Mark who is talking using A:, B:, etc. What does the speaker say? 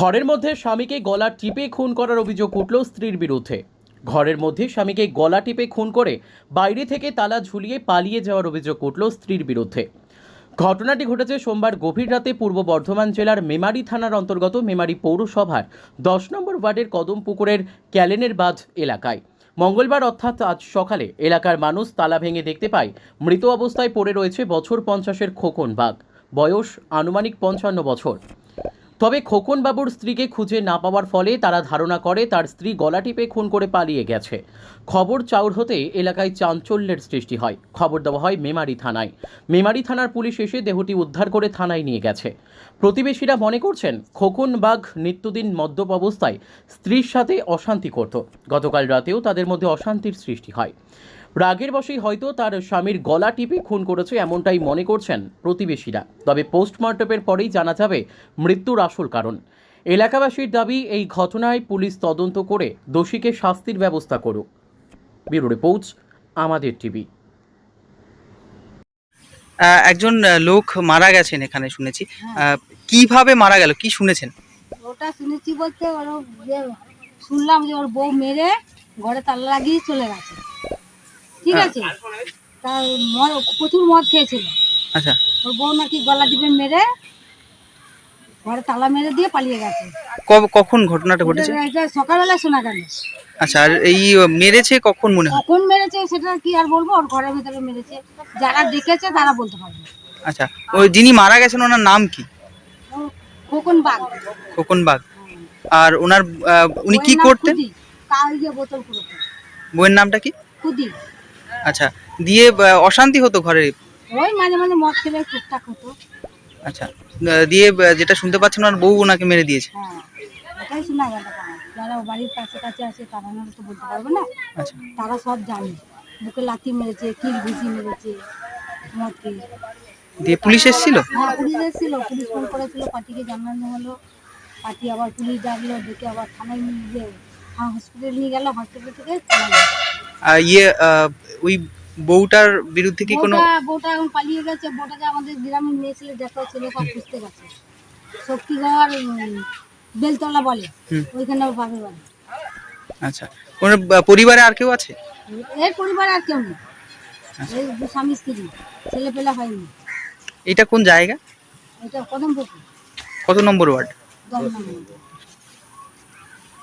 A: ঘরের মধ্যে স্বামীকে গলা টিপে খুন করার অভিযোগ উঠল স্ত্রীর বিরুদ্ধে। ঘরের মধ্যে স্বামীকে গলা টিপে খুন করে বাইরে থেকে তালা ঝুলিয়ে পালিয়ে যাওয়ার অভিযোগ উঠল স্ত্রীর বিরুদ্ধে। ঘটনাটি ঘটেছে সোমবার গভীর রাতে পূর্ব বর্ধমান জেলার মেমারি থানার অন্তর্গত মেমারি পৌরসভার 10 নম্বর ওয়ার্ডের কদমপুকুরের ক্যালেনের বাঁধ এলাকায়। মঙ্গলবার অর্থাৎ আজ সকালে এলাকার মানুষ তালা ভেঙে দেখতে পায় মৃত অবস্থায় পড়ে রয়েছে বছর 50-এর খোকন বাগ, বয়স আনুমানিক 55 বছর। তবে খোকন বাবুর স্ত্রীকে খুঁজে না পাওয়ার ফলে তারা ধারণা করে তার স্ত্রী গলা টিপে খুন করে পালিয়ে গেছে। খবর চাউর হতে এলাকায় চাঞ্চল্যের সৃষ্টি হয়। খবর দেওয়া হয় মেমারি থানায়। মেমারি থানার পুলিশ এসে দেহটি উদ্ধার করে থানায় নিয়ে গেছে। প্রতিবেশীরা মনে করছেন খোকন বাঘ নিত্যদিন মদ্যপ অবস্থায় স্ত্রীর সাথে অশান্তি করত। গতকাল রাতেও তাদের মধ্যে অশান্তির সৃষ্টি হয়। রাগের বশেই হয়তো তার স্বামীর গলা টিপে খুন করেছে এমনটাই মনে করছেন প্রতিবেশীরা। তবে পোস্টমর্টমের পরেই জানা যাবে মৃত্যুর আসল কারণ। এলাকাবাসীর দাবি, এই ঘটনায় পুলিশ তদন্ত করে দোষীকে শাস্তির ব্যবস্থা করুক। ব্যুরো রিপোর্ট, আমাদের টিভি।
B: একজন লোক মারা গেছেন এখানে শুনেছি। কিভাবে মারা গেল, কি শুনেছেন?
C: ওটা শুনেছি বলতে শুনলাম যে ওর বউ মেরে ঘরে তালা লাগিয়ে চলে গেছে। ঠিক আছে, তার প্রচুর মদ খেয়েছিল।
B: আচ্ছা,
C: ওর বউ নাকি গলা টিপে মেরে ঘরে তালা মেরে দিয়ে পালিয়ে গেছে।
B: কখন ঘটনাটা ঘটেছে?
C: এটা সকালবেলা শোনা গেল।
B: আচ্ছা, আর এই মেরেছে কখন মনে হয়?
C: কখন মেরেছে সেটা কি আর বলবো, ওর ঘরের ভিতরে মেরেছে, যারা দেখেছে তারা বলতে পারবে।
B: আচ্ছা, ওই যিনি মারা গেছেন ওনার নাম কি?
C: খোকন বাগ।
B: খোকন বাগ। আর ওনার উনি কি করতেন?
C: বোতল পুরোতে।
B: বইয়ের নামটা কি?
C: খুদি।
B: আচ্ছা, দিয়ে অশান্তি হতো ঘরে?
C: ওই মাঝে মাঝে মদ খেলে টুকটাক হতো।
B: আচ্ছা, দিয়ে যেটা শুনতে পাচ্ছেন ওনার বউ ওনাকে মেরে দিয়েছে।
C: হ্যাঁ, এটাই শোনা গেল। যারা বাড়ির কাছে কাছে আছে তারা তো বলতে পারবে না।
B: আচ্ছা,
C: তারা সব জানে বুকে লাথি মেরেছে, কিল ঘুষি মেরেছে, মদ খেয়ে।
B: দিয়ে পুলিশ এসেছিল?
C: হ্যাঁ, পুলিশ এসেছিল। পুলিশ ফোন করেছিল, পার্টিকে জানানো হলো। পার্টি আবার পুলিশ ডাকলো, ডেকে আবার থানায় নিয়ে হসপিটাল নিয়ে গেল। হসপিটাল থেকে
B: ওই বউটার বিরুদ্ধে কি কোনো?
C: বউটা এখন পালিয়ে গেছে। বউটাকে আমাদের গ্রামের মেয়ে ছেলে দেখো, ছেলে সব খুঁজতে গেছে। শক্তিগড় বেলতলা বলে, ওইখানে ওর বাপের বাড়ি।
B: আচ্ছা, ওনার পরিবারে আর কেউ আছে?
C: এর পরিবারে আর কেউ নেই। এই স্বামী স্ত্রী, ছেলে পেলে হয়নি।
B: এটা কোন জায়গা?
C: এটা কদমপুকুর।
B: কত নম্বর ওয়ার্ড?
C: 10 নম্বর।